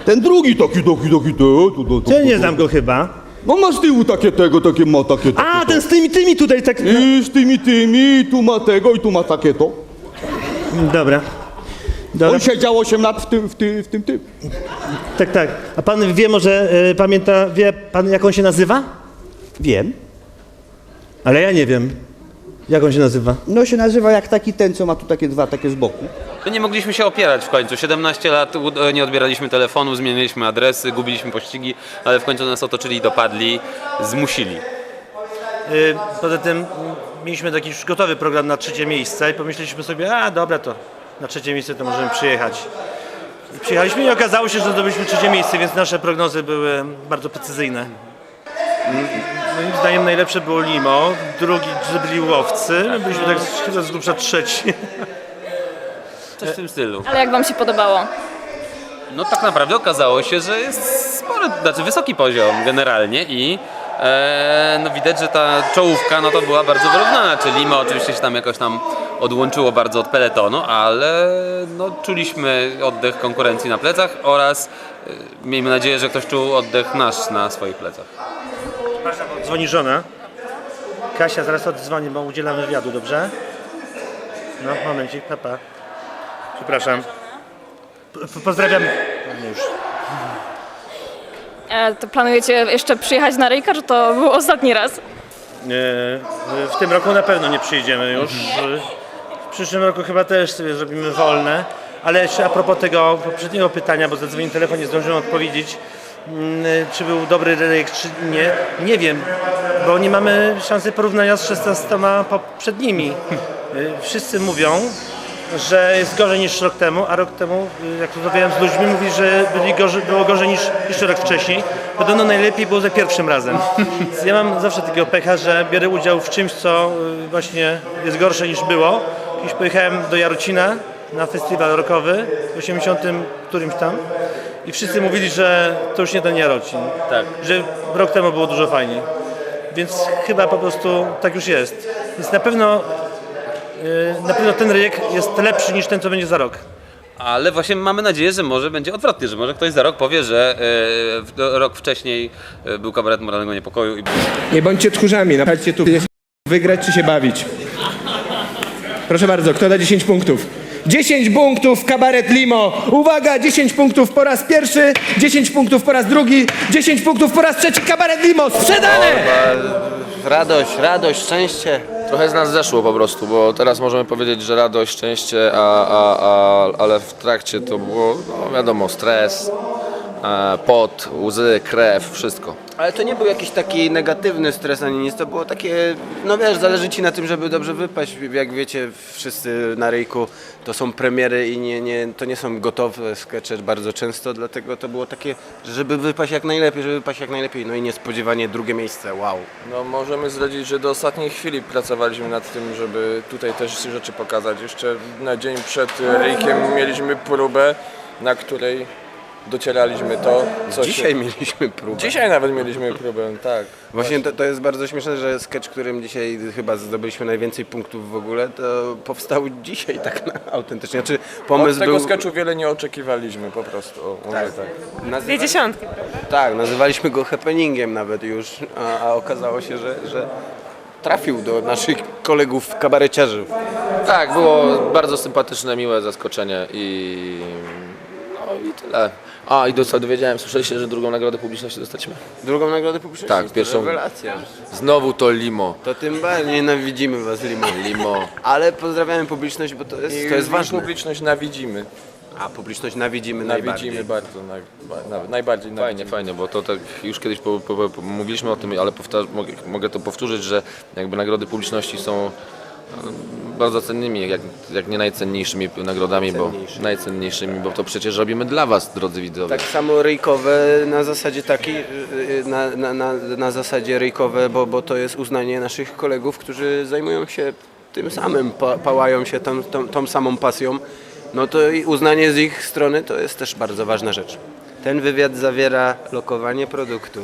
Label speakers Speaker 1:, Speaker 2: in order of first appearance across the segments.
Speaker 1: Ten drugi taki,
Speaker 2: Ja nie znam go chyba.
Speaker 1: No ma z tyłu takie ma takie.
Speaker 2: A, ten z tymi tutaj tak...
Speaker 1: I z tymi, tu ma tego i tu ma takie to.
Speaker 2: Dobra. Dobra.
Speaker 1: On siedział 8 lat w tym.
Speaker 2: Tak. A pan wie może, wie pan jak on się nazywa?
Speaker 1: Wiem.
Speaker 2: Ale ja nie wiem. Jak on się nazywa?
Speaker 1: No się nazywa jak taki ten, co ma tu takie dwa, takie z boku.
Speaker 3: Nie mogliśmy się opierać w końcu. 17 lat nie odbieraliśmy telefonu, zmieniliśmy adresy, gubiliśmy pościgi, ale w końcu nas otoczyli i dopadli, zmusili.
Speaker 2: Poza tym mieliśmy taki już gotowy program na 3. miejsce i pomyśleliśmy sobie, a dobra, to na 3. miejsce to możemy przyjechać. I przyjechaliśmy i okazało się, że zdobyliśmy 3. miejsce, więc nasze prognozy były bardzo precyzyjne. Moim zdaniem najlepsze było Limo, drugi byli Łowcy, my byliśmy tak z grubsza 3.
Speaker 3: Coś w tym stylu.
Speaker 4: Ale jak wam się podobało?
Speaker 3: No tak naprawdę okazało się, że jest spory, znaczy wysoki poziom generalnie i no widać, że ta czołówka no to była bardzo wyrównana, czyli Limo oczywiście się tam jakoś odłączyło bardzo od peletonu, ale no czuliśmy oddech konkurencji na plecach oraz miejmy nadzieję, że ktoś czuł oddech nasz na swoich plecach.
Speaker 2: Przepraszam, dzwoni żona. Kasia, zaraz oddzwoni, bo udzielamy wywiadu, dobrze? No, momencik, papa. Przepraszam. Pozdrawiam. No już.
Speaker 4: To planujecie jeszcze przyjechać na Ryjka, czy to był ostatni raz?
Speaker 2: W tym roku na pewno nie przyjdziemy już. W przyszłym roku chyba też sobie zrobimy wolne. Ale jeszcze a propos tego poprzedniego pytania, bo zadzwonił telefon, nie zdążyłem odpowiedzieć. Czy był dobry Ryjek, czy nie? Nie wiem, bo nie mamy szansy porównania z 16 poprzednimi. Wszyscy mówią, że jest gorzej niż rok temu, a rok temu, jak rozmawiałem z ludźmi, mówi, że było gorzej niż jeszcze rok wcześniej. Podobno najlepiej było za pierwszym razem. Więc ja mam zawsze takiego pecha, że biorę udział w czymś, co właśnie jest gorsze niż było. Kiedyś pojechałem do Jarocina na festiwal rockowy w 80 którymś tam i wszyscy mówili, że to już nie ten Jarocin.
Speaker 3: Tak.
Speaker 2: Że rok temu było dużo fajniej. Więc chyba po prostu tak już jest. Więc na pewno ten Ryjek jest lepszy niż ten, co będzie za rok.
Speaker 3: Ale właśnie mamy nadzieję, że może będzie odwrotnie, że może ktoś za rok powie, że rok wcześniej był kabaret moralnego niepokoju i
Speaker 5: Nie bądźcie tchórzami, naprawdę tu wygrać czy się bawić. Proszę bardzo, kto da 10 punktów? 10 punktów, kabaret Limo. Uwaga, 10 punktów po raz pierwszy, 10 punktów po raz drugi, 10 punktów po raz trzeci, kabaret Limo, sprzedane!
Speaker 6: Radość, szczęście.
Speaker 7: Trochę z nas zeszło po prostu, bo teraz możemy powiedzieć, że radość, szczęście, ale w trakcie to było, no wiadomo, stres, pot, łzy, krew, wszystko.
Speaker 6: Ale to nie był jakiś taki negatywny stres ani nic, to było takie, no wiesz, zależy ci na tym, żeby dobrze wypaść. Jak wiecie, wszyscy na Ryjku to są premiery i to nie są gotowe skecze bardzo często, dlatego to było takie, żeby wypaść jak najlepiej, no i niespodziewanie drugie miejsce, wow.
Speaker 7: No możemy zdradzić, że do ostatniej chwili pracowaliśmy nad tym, żeby tutaj też rzeczy pokazać. Jeszcze na dzień przed Ryjkiem mieliśmy próbę, na której docieraliśmy to, co
Speaker 6: Dzisiaj mieliśmy próbę.
Speaker 7: Dzisiaj nawet mieliśmy próbę, tak.
Speaker 6: Właśnie to jest bardzo śmieszne, że sketch, którym dzisiaj chyba zdobyliśmy najwięcej punktów w ogóle, to powstał dzisiaj tak autentycznie. Znaczy, pomysł
Speaker 7: Od tego
Speaker 6: był...
Speaker 7: sketchu wiele nie oczekiwaliśmy po prostu. Tak.
Speaker 4: Dwie dziesiątki.
Speaker 6: Tak, nazywaliśmy go happeningiem nawet już, a okazało się, że trafił do naszych kolegów kabareciarzy.
Speaker 7: Tak, było bardzo sympatyczne, miłe zaskoczenie i tyle. A i dowiedziałem, słyszeliście, że drugą nagrodę publiczności dostaliśmy?
Speaker 6: Drugą nagrodę publiczności?
Speaker 7: Tak, pierwszą.
Speaker 6: Rewelacja.
Speaker 7: Znowu to Limo.
Speaker 6: To tym bardziej nienawidzimy was, Limo. Ale pozdrawiamy publiczność, bo to jest ważne.
Speaker 7: Publiczność nawidzimy.
Speaker 6: A publiczność nawidzimy
Speaker 7: Nawidzimy bardzo, najbardziej nawidzimy. Fajnie, bo to tak już kiedyś mówiliśmy o tym, ale mogę to powtórzyć, że jakby nagrody publiczności są bardzo cennymi, jak nie najcenniejszymi nagrodami, najcenniejszymi, bo to przecież robimy dla was, drodzy widzowie.
Speaker 6: Tak samo ryjkowe na zasadzie takiej, na zasadzie ryjkowe, bo to jest uznanie naszych kolegów, którzy zajmują się tym samym, pałają się tą samą pasją. No to i uznanie z ich strony to jest też bardzo ważna rzecz. Ten wywiad zawiera lokowanie produktu.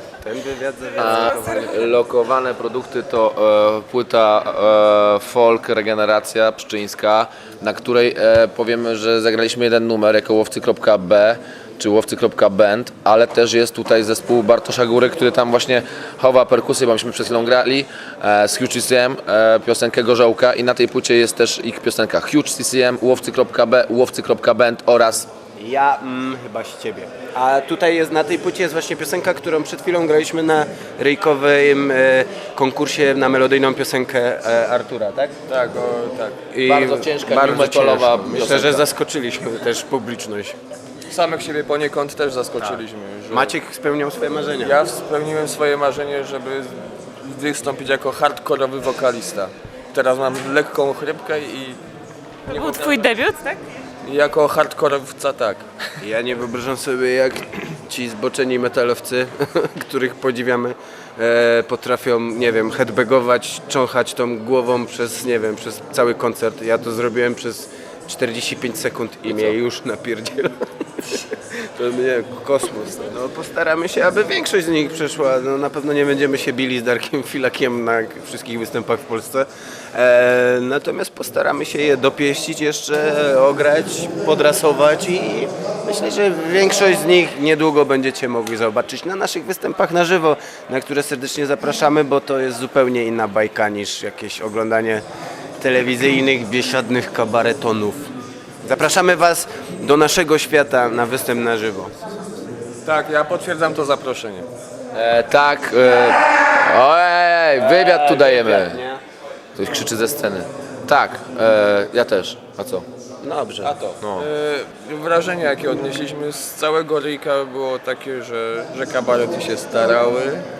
Speaker 7: Lokowane produkty to płyta folk Regeneracja Pszczyńska, na której powiemy, że zagraliśmy jeden numer jako łowcy.b. czy łowcy.band, ale też jest tutaj zespół Bartosza Góry, który tam właśnie chowa perkusję, bo myśmy przed chwilą grali z Huge CCM, piosenkę Gorzołka i na tej płycie jest też ich piosenka Huge CCM, łowcy.band oraz
Speaker 6: Ja chyba z ciebie. A tutaj jest, na tej płycie jest właśnie piosenka, którą przed chwilą graliśmy na ryjkowym konkursie na melodyjną piosenkę Artura, tak?
Speaker 7: tak, tak.
Speaker 6: I
Speaker 7: Bardzo ciężka,
Speaker 6: bardzo
Speaker 7: metalowa
Speaker 6: ciężko. Myślę,
Speaker 7: piosenka.
Speaker 6: że zaskoczyliśmy też publiczność.
Speaker 7: Samych siebie poniekąd też zaskoczyliśmy. Że
Speaker 6: Maciek spełniał swoje marzenia.
Speaker 7: ja spełniłem swoje marzenie, żeby wystąpić jako hardkorowy wokalista. Teraz mam lekką chrypkę i
Speaker 8: To był twój debiut, tak?
Speaker 7: jako hardkorowca tak.
Speaker 6: Ja nie wyobrażam sobie, jak ci zboczeni metalowcy, których podziwiamy, potrafią, nie wiem, headbagować, cząchać tą głową przez, nie wiem, przez cały koncert. Ja to zrobiłem przez 45 sekund i mnie już napierdziela. To nie, kosmos. No, postaramy się, aby większość z nich przeszła. No, na pewno nie będziemy się bili z Darkiem Filakiem na wszystkich występach w Polsce. Natomiast postaramy się je dopieścić jeszcze, ograć, podrasować i myślę, że większość z nich niedługo będziecie mogli zobaczyć na naszych występach na żywo, na które serdecznie zapraszamy, bo to jest zupełnie inna bajka niż jakieś oglądanie telewizyjnych, biesiadnych kabaretonów. Zapraszamy Was do naszego świata na występ na żywo.
Speaker 7: Tak, ja potwierdzam to zaproszenie.
Speaker 3: Ojej, wywiad tu dajemy.
Speaker 6: Nie?
Speaker 3: Ktoś krzyczy ze sceny. Tak, ja też. A co?
Speaker 6: Dobrze.
Speaker 7: A to. Wrażenie, jakie odnieśliśmy z całego ryjka, było takie, że kabarety się starały.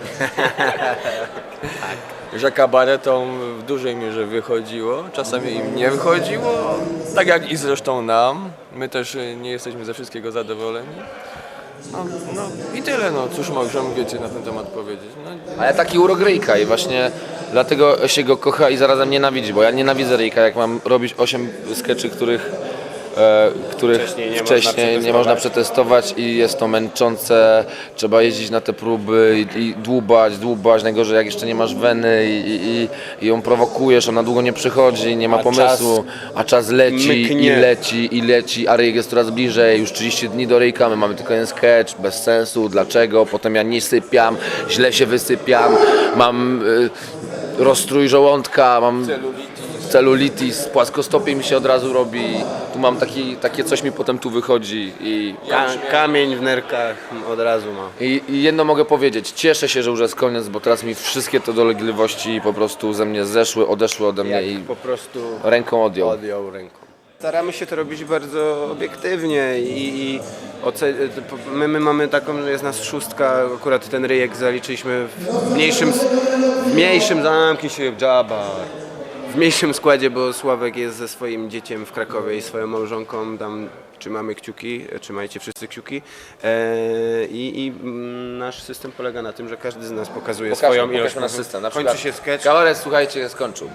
Speaker 7: Że kabaretom w dużej mierze wychodziło, czasami im nie wychodziło, tak jak i zresztą nam. My też nie jesteśmy ze wszystkiego zadowoleni. No i tyle, no cóż możemy więcej na ten temat powiedzieć. No,
Speaker 3: Ale taki urok ryjka i właśnie dlatego się go kocha i zarazem nienawidzi, bo ja nienawidzę ryjka, jak mam robić 8 skeczy, których wcześniej nie można przetestować i jest to męczące, trzeba jeździć na te próby i dłubać, najgorzej jak jeszcze nie masz weny i ją prowokujesz, ona długo nie przychodzi, nie ma pomysłu, a czas leci i leci, a ryjek jest coraz bliżej, już 30 dni do ryjka, my mamy tylko jeden sketch, bez sensu, dlaczego, potem ja nie sypiam, źle się wysypiam, mam rozstrój żołądka, mam celulitis, płaskostopie mi się od razu robi, tu mam takie coś mi potem tu wychodzi i
Speaker 6: Kamień w nerkach od razu ma.
Speaker 3: i jedno mogę powiedzieć, cieszę się, że już jest koniec, bo teraz mi wszystkie te dolegliwości po prostu ze mnie zeszły, odeszły ode mnie i
Speaker 6: Po prostu
Speaker 3: ręką odjął.
Speaker 6: ręką. Staramy się to robić bardzo obiektywnie i my mamy taką, że jest nas 6, akurat ten ryjek zaliczyliśmy w mniejszym zamknij się Jabba. W mniejszym składzie, bo Sławek jest ze swoim dzieciem w Krakowie i swoją małżonką, tam trzymamy kciuki, trzymajcie wszyscy kciuki. Nasz system polega na tym, że każdy z nas pokazuje swoją ilość.
Speaker 3: Pokażmy nasz system. Na
Speaker 6: Kończy
Speaker 3: przykład
Speaker 6: się sketch.
Speaker 3: kabaret, słuchajcie, skończył.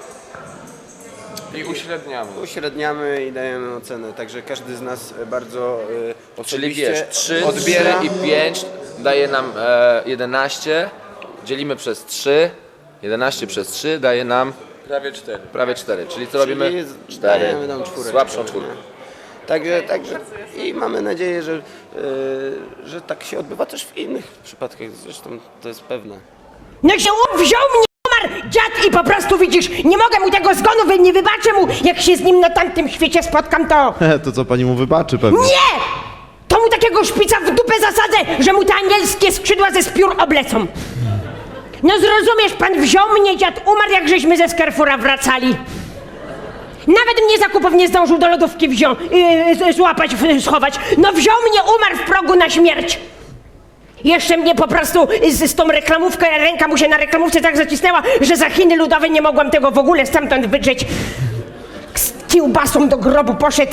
Speaker 7: i uśredniamy.
Speaker 6: Uśredniamy i dajemy ocenę, także każdy z nas bardzo
Speaker 3: Czyli
Speaker 6: osobiście
Speaker 3: wiesz, 3
Speaker 6: odbiera.
Speaker 3: i 5 daje nam 11, dzielimy przez 3, 11 przez 3 daje nam
Speaker 7: Prawie 4.
Speaker 3: czyli co robimy? 4.
Speaker 6: Dajemy tam czwóreczkę.
Speaker 3: Słabszą czwórkę.
Speaker 6: Także i mamy nadzieję, że tak się odbywa też w innych przypadkach, zresztą to jest pewne.
Speaker 9: No się wziął mnie Omar, dziad i po prostu widzisz, nie mogę mu tego zgonu, nie wybaczę mu, jak się z nim na tamtym świecie spotkam, to...
Speaker 10: To co pani mu wybaczy pewnie.
Speaker 9: Nie! To mu takiego szpica w dupę zasadzę, że mu te anielskie skrzydła ze spiór oblecą. No zrozumiesz, pan wziął mnie, dziad umarł, jak żeśmy ze Carrefoura wracali. Nawet mnie zakupów nie zdążył do lodówki złapać, schować. No wziął mnie, umarł w progu na śmierć. Jeszcze mnie po prostu z tą reklamówką, ręka mu się na reklamówce tak zacisnęła, że za Chiny Ludowe nie mogłam tego w ogóle stamtąd wydrzeć. Z kiełbasą do grobu poszedł.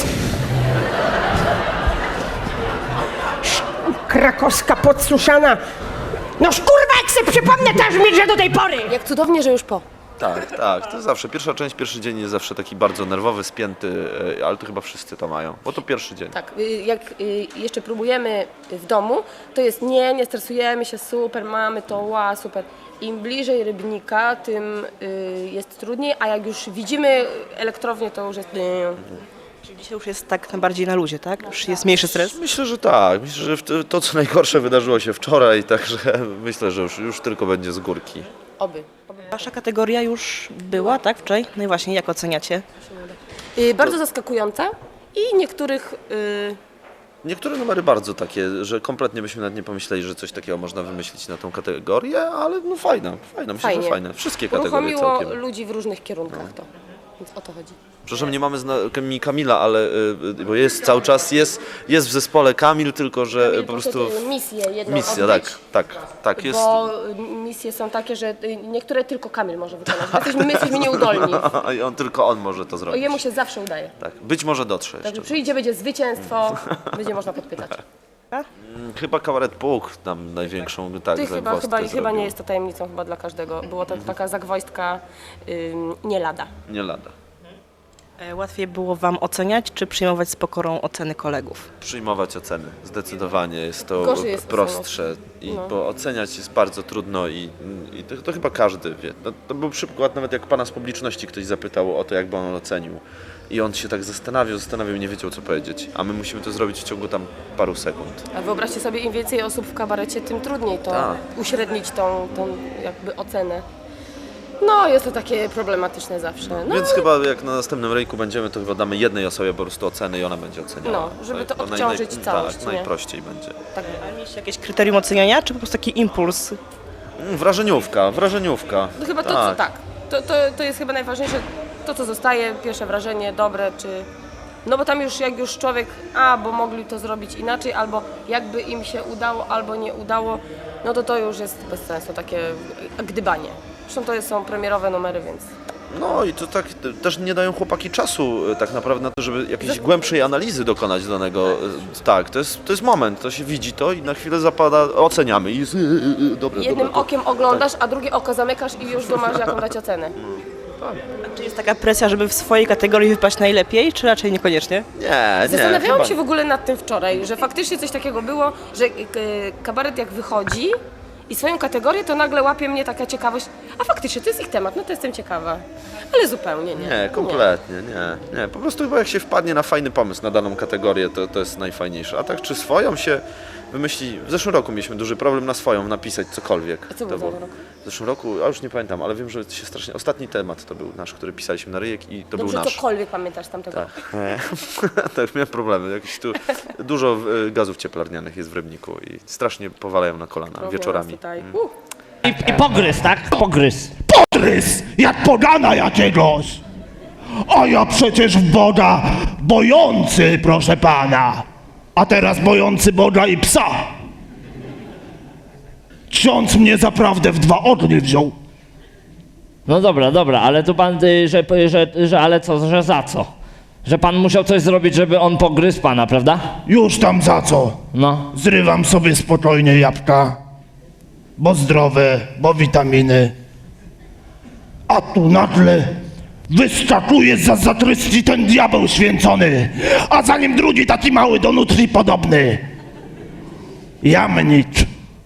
Speaker 9: Krakowska podsuszana. No kurwa, jak se przypomnę, to aż mnie do tej pory.
Speaker 4: Jak cudownie, że już po.
Speaker 10: Tak, to zawsze. Pierwszy dzień jest zawsze taki bardzo nerwowy, spięty, ale to chyba wszyscy to mają, bo to pierwszy dzień.
Speaker 4: Tak, jak jeszcze próbujemy w domu, to jest nie stresujemy się, super, mamy to, super. Im bliżej Rybnika, tym jest trudniej, a jak już widzimy elektrownię, to już jest...
Speaker 8: Czyli dzisiaj już jest tak bardziej na luzie, tak? Już jest mniejszy stres?
Speaker 10: Myślę, że tak. Myślę, że to co najgorsze wydarzyło się wczoraj, także myślę, że już tylko będzie z górki.
Speaker 4: Oby.
Speaker 8: Wasza kategoria już była, tak? Wczoraj? No i właśnie, jak oceniacie?
Speaker 4: Bardzo zaskakująca i niektórych
Speaker 10: Niektóre numery bardzo takie, że kompletnie byśmy nawet nie pomyśleli, że coś takiego można wymyślić na tą kategorię, ale no fajna, myślę, że
Speaker 4: fajnie.
Speaker 10: fajne. Wszystkie kategorie
Speaker 4: uruchomiło
Speaker 10: całkiem.
Speaker 4: ludzi w różnych kierunkach to. Więc o to chodzi.
Speaker 10: Przepraszam, nie mamy z nami Kamila, ale bo jest cały czas, jest w zespole Kamil, tylko że po prostu...
Speaker 4: Misję jedną
Speaker 10: Misja,
Speaker 4: odbyć,
Speaker 10: tak, jest...
Speaker 4: Bo misje są takie, że niektóre tylko Kamil może wykonać. My jesteśmy nieudolni.
Speaker 10: I tylko on może to zrobić.
Speaker 4: Jemu się zawsze udaje.
Speaker 10: Tak, być może dotrze
Speaker 4: Także
Speaker 10: jeszcze.
Speaker 4: przyjdzie, będzie zwycięstwo, będzie można podpytać.
Speaker 10: Chyba kabaret Puk nam największą zagwozdkę
Speaker 4: Chyba
Speaker 10: zrobił.
Speaker 4: nie jest to tajemnicą chyba dla każdego. Była to taka zagwozdka nie lada.
Speaker 10: Nie lada.
Speaker 8: Łatwiej było wam oceniać, czy przyjmować z pokorą oceny kolegów?
Speaker 10: Przyjmować oceny, zdecydowanie jest to
Speaker 4: Gorzej jest
Speaker 10: prostsze, bo oceniać jest bardzo trudno i to chyba każdy wie. No, to był przykład nawet jak pana z publiczności ktoś zapytał o to, jakby on ocenił i on się tak zastanawiał, nie wiedział co powiedzieć, a my musimy to zrobić w ciągu tam paru sekund.
Speaker 4: A wyobraźcie sobie, im więcej osób w kabarecie, tym trudniej to
Speaker 10: Tak.
Speaker 4: uśrednić tą jakby ocenę. No, jest to takie problematyczne zawsze. No,
Speaker 10: Więc chyba jak na następnym rejku będziemy, to chyba damy jednej osobie po prostu oceny i ona będzie oceniała.
Speaker 4: No, żeby to
Speaker 10: chyba
Speaker 4: odciążyć całość,
Speaker 10: Tak,
Speaker 4: nie?
Speaker 10: najprościej będzie.
Speaker 4: tak.
Speaker 8: A mieliście jakieś kryterium oceniania, czy po prostu taki impuls?
Speaker 10: Wrażeniówka.
Speaker 4: No chyba to jest chyba najważniejsze, to co zostaje, pierwsze wrażenie, dobre, czy... No bo tam już jak już człowiek, bo mogli to zrobić inaczej, albo jakby im się udało, albo nie udało, no to już jest bez sensu, takie gdybanie. Zresztą to są premierowe numery, więc...
Speaker 10: No i to tak też nie dają chłopaki czasu tak naprawdę na to, żeby jakiejś głębszej analizy dokonać danego. Tak, to jest moment, to się widzi to i na chwilę zapada, oceniamy i jest dobre.
Speaker 4: Jednym
Speaker 10: dobre.
Speaker 4: okiem oglądasz, a drugie oko zamykasz i już masz jaką dać ocenę.
Speaker 8: A czy jest taka presja, żeby w swojej kategorii wypaść najlepiej, czy raczej niekoniecznie?
Speaker 10: Nie.
Speaker 4: Zastanawiałam
Speaker 10: chyba
Speaker 4: się w ogóle nad tym wczoraj, że faktycznie coś takiego było, że kabaret jak wychodzi i swoją kategorię, to nagle łapie mnie taka ciekawość, a faktycznie to jest ich temat, no to jestem ciekawa. Ale zupełnie nie.
Speaker 10: Nie, kompletnie, nie. Po prostu chyba jak się wpadnie na fajny pomysł na daną kategorię, to jest najfajniejsze. A tak czy swoją się wymyśli... W zeszłym roku mieliśmy duży problem na swoją napisać cokolwiek.
Speaker 4: A co było w zeszłym roku?
Speaker 10: W zeszłym roku, a już nie pamiętam, ale wiem, że się strasznie... Ostatni temat to był nasz, który pisaliśmy na ryjek i to
Speaker 4: Dobrze,
Speaker 10: był nasz.
Speaker 4: cokolwiek pamiętasz z tamtego roku.
Speaker 10: Tak, miałem problemy. Jakieś tu dużo gazów cieplarnianych jest w Rybniku i strasznie powalają na kolana wieczorami.
Speaker 4: Tutaj.
Speaker 11: I pogryz, tak? Pogryz. Pogryz! Jak pogana jakiegoś! A ja przecież w Boga bojący, proszę pana. A teraz bojący Boga i psa. Ksiądz mnie zaprawdę w dwa ognie wziął.
Speaker 12: No dobra, ale to pan, że ale co, że za co? Że pan musiał coś zrobić, żeby on pogryzł pana, prawda?
Speaker 11: Już tam za co?
Speaker 12: No.
Speaker 11: Zrywam sobie spokojnie jabłka, bo zdrowe, bo witaminy. A tu nagle wyskakuje za zatrysci ten diabeł święcony, a za nim drugi taki mały do nutrii podobny. Jamnik.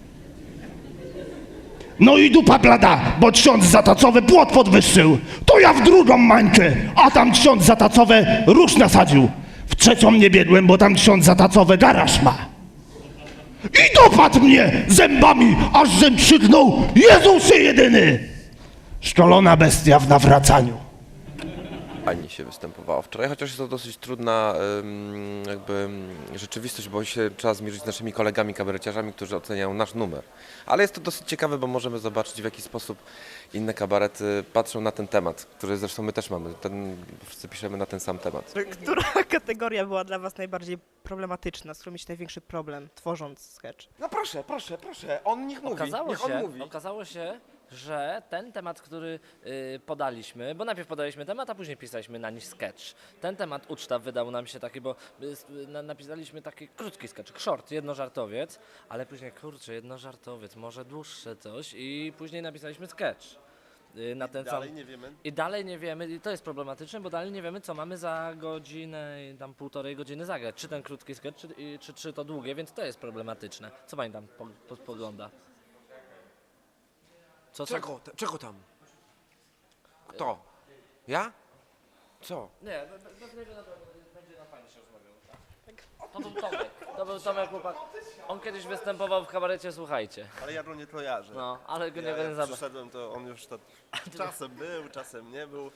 Speaker 11: No i dupa blada, bo ksiądz zatacowy płot podwyższył. To ja w drugą mańkę, a tam ksiądz zatacowe róż nasadził. W trzecią nie biegłem, bo tam ksiądz zatacowe garaż ma. I dopadł mnie zębami, aż żem krzyknął: Jezusie jedyny! Szkolona bestia w nawracaniu.
Speaker 7: Fajnie się występowało wczoraj, chociaż jest to dosyć trudna jakby rzeczywistość, bo się trzeba zmierzyć z naszymi kolegami kabareciarzami, którzy oceniają nasz numer. Ale jest to dosyć ciekawe, bo możemy zobaczyć, w jaki sposób inne kabarety patrzą na ten temat, który zresztą my też mamy. Wszyscy piszemy na ten sam temat.
Speaker 8: Która kategoria była dla was najbardziej problematyczna, z którą mieliście największy problem, tworząc sketch?
Speaker 6: No proszę, on niech mówi,
Speaker 12: Okazało się, że ten temat, który podaliśmy, bo najpierw podaliśmy temat, a później pisaliśmy na nim sketch. Ten temat uczta wydał nam się taki, bo napisaliśmy taki krótki sketch, short, jednożartowiec, ale później, kurczę, jednożartowiec, może dłuższe coś i później napisaliśmy sketch. Na ten sam...
Speaker 6: nie wiemy.
Speaker 12: I dalej nie wiemy, i to jest problematyczne, bo dalej nie wiemy, co mamy za godzinę, tam 1,5 godziny zagrać. Czy ten krótki sketch, czy to długie, więc to jest problematyczne. Co pani tam pogląda? Co?
Speaker 6: Czego tam? Kto? Ja? Co?
Speaker 12: Nie, To był Tomek chłopak. On kiedyś występował w kabarecie Słuchajcie.
Speaker 13: Ale ja go nie kojarzę.
Speaker 12: No, ale go nie
Speaker 13: jak
Speaker 12: będę zabrał.
Speaker 13: przyszedłem, to on już czasem był, czasem nie był.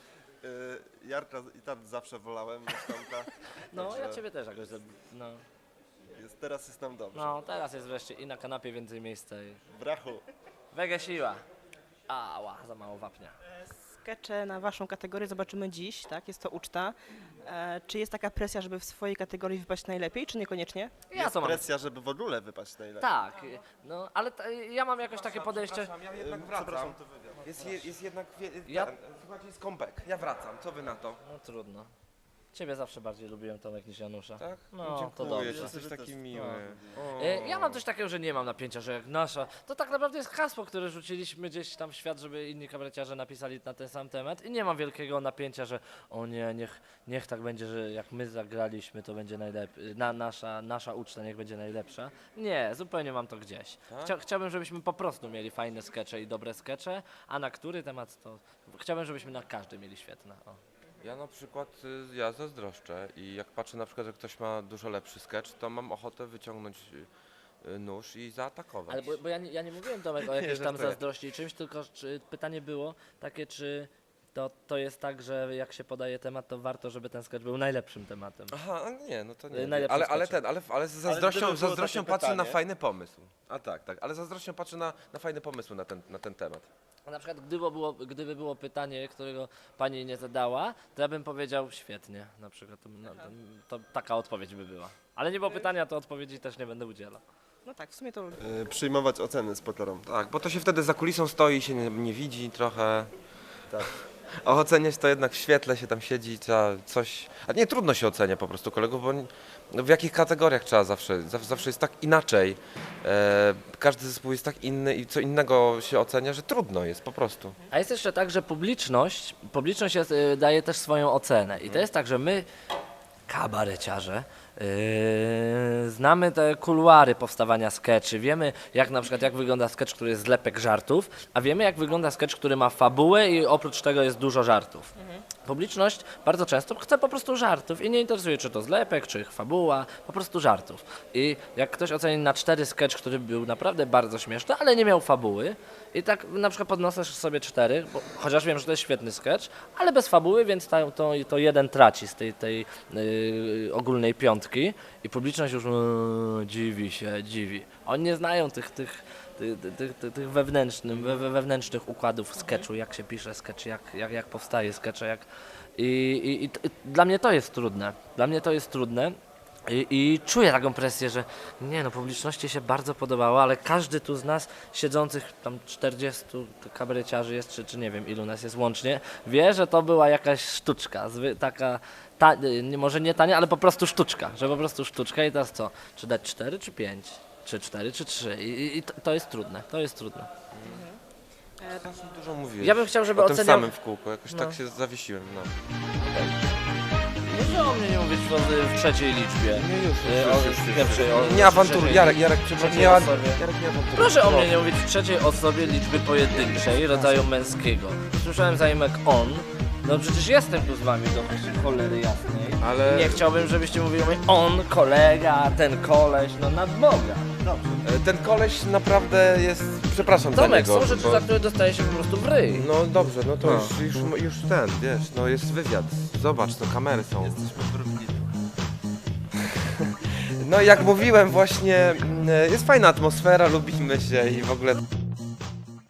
Speaker 13: Jarka i tak zawsze wolałem niż Tomka.
Speaker 12: No,
Speaker 13: także
Speaker 12: ja ciebie też jakoś... No,
Speaker 13: teraz jest nam dobrze.
Speaker 12: no, teraz jest wreszcie i na kanapie więcej miejsca i...
Speaker 13: Brachu.
Speaker 12: Wege siła. Ała, za mało wapnia.
Speaker 8: Skecze na waszą kategorię zobaczymy dziś, tak? Jest to uczta. Czy jest taka presja, żeby w swojej kategorii wypaść najlepiej, czy niekoniecznie?
Speaker 12: Ja
Speaker 13: Jest
Speaker 12: to mam.
Speaker 13: presja, żeby w ogóle wypaść najlepiej.
Speaker 12: Tak, no, ale ja mam jakoś takie podejście...
Speaker 14: Ja jednak wracam. Jest jednak... Słuchajcie, jest comeback. Ja wracam. Co wy na to?
Speaker 12: No trudno. Ciebie zawsze bardziej lubiłem, Tomek, niż Janusza.
Speaker 14: Tak?
Speaker 12: No, to dobrze.
Speaker 14: Jesteś taki miły.
Speaker 12: Ja mam coś takiego, że nie mam napięcia, że jak nasza, to tak naprawdę jest hasło, które rzuciliśmy gdzieś tam w świat, żeby inni kabareciarze napisali na ten sam temat i nie mam wielkiego napięcia, że o nie, niech tak będzie, że jak my zagraliśmy, to będzie najlepiej, nasza uczta niech będzie najlepsza. Nie, zupełnie mam to gdzieś. Chciałbym, żebyśmy po prostu mieli fajne skecze i dobre skecze, a na który temat to... Chciałbym, żebyśmy na każdy mieli świetne. O.
Speaker 14: Ja na przykład, ja zazdroszczę i jak patrzę na przykład, że ktoś ma dużo lepszy sketch, to mam ochotę wyciągnąć nóż i zaatakować.
Speaker 12: Ale bo ja nie mówiłem Tomek o jakiejś tam
Speaker 14: żartuję.
Speaker 12: zazdrości czymś, tylko pytanie było takie, czy to jest tak, że jak się podaje temat, to warto, żeby ten sketch był najlepszym tematem.
Speaker 14: Aha, nie, no to nie.
Speaker 12: Najlepszym sketchem.
Speaker 14: Ale z zazdrością patrzę na fajny pomysł. A tak, ale z zazdrością patrzę na fajne pomysły na ten temat.
Speaker 12: Na przykład gdyby było pytanie, którego pani nie zadała, to ja bym powiedział świetnie, na przykład. To taka odpowiedź by była. Ale nie było pytania, to odpowiedzi też nie będę udzielał.
Speaker 8: No tak, w sumie to...
Speaker 13: Przyjmować oceny z pokorą.
Speaker 14: Tak, bo to się wtedy za kulisą stoi, się nie widzi trochę.
Speaker 13: Tak.
Speaker 14: A oceniać to jednak w świetle się tam siedzi, trzeba coś... A nie, trudno się ocenia po prostu kolegów, bo w jakich kategoriach trzeba zawsze jest tak inaczej. Każdy zespół jest tak inny i co innego się ocenia, że trudno jest po prostu.
Speaker 12: A jest jeszcze tak, że publiczność daje też swoją ocenę. I to jest tak, że my, kabareciarze, znamy te kuluary powstawania skeczy, wiemy jak wygląda sketch, który jest zlepek żartów, a wiemy jak wygląda sketch, który ma fabułę i oprócz tego jest dużo żartów. Publiczność bardzo często chce po prostu żartów i nie interesuje, czy to zlepek, czy fabuła, po prostu żartów. I jak ktoś oceni na 4 sketch, który był naprawdę bardzo śmieszny, ale nie miał fabuły i tak na przykład podnosisz sobie 4, chociaż wiem, że to jest świetny sketch, ale bez fabuły, więc to jeden traci z tej ogólnej piątki i publiczność już dziwi. Oni nie znają tych wewnętrznych układów sketchu, jak się pisze sketch, jak powstaje sketch, i dla mnie to jest trudne. I czuję taką presję, że nie no, publiczności się bardzo podobało, ale każdy tu z nas siedzących tam 40 kabareciarzy jest, czy nie wiem ilu nas jest łącznie, wie, że to była jakaś sztuczka, taka, może nie tania, ale po prostu sztuczka, i teraz co, czy dać 4 czy 5, czy 4 czy 3 i to jest trudne,
Speaker 14: Dużo mówiłeś.
Speaker 12: Ja bym chciał, żeby
Speaker 14: o tym
Speaker 12: oceniał...
Speaker 14: samym w kółko, jakoś tak się zawiesiłem. No.
Speaker 12: Proszę o mnie nie mówić w trzeciej liczbie.
Speaker 14: Nie awanturuj, Jarek, przepraszam, nie awanturuj.
Speaker 12: Proszę o mnie nie mówić w trzeciej osobie liczby pojedynczej rodzaju męskiego. Słyszałem zaimek on. No przecież jestem tu z wami do cholery jasnej.
Speaker 14: Ale...
Speaker 12: Nie chciałbym, żebyście mówili o mnie on, kolega, ten koleś, no nad Boga. Dobrze.
Speaker 14: Ten koleś naprawdę jest, przepraszam
Speaker 12: Tomek,
Speaker 14: za niego.
Speaker 12: są rzeczy, za które dostaje się po prostu w ryj.
Speaker 14: No dobrze, no to już ten, wiesz, no jest wywiad. Zobacz, no kamery są.
Speaker 13: Jesteśmy porównieni.
Speaker 14: No jak mówiłem właśnie, jest fajna atmosfera, lubimy się i w ogóle...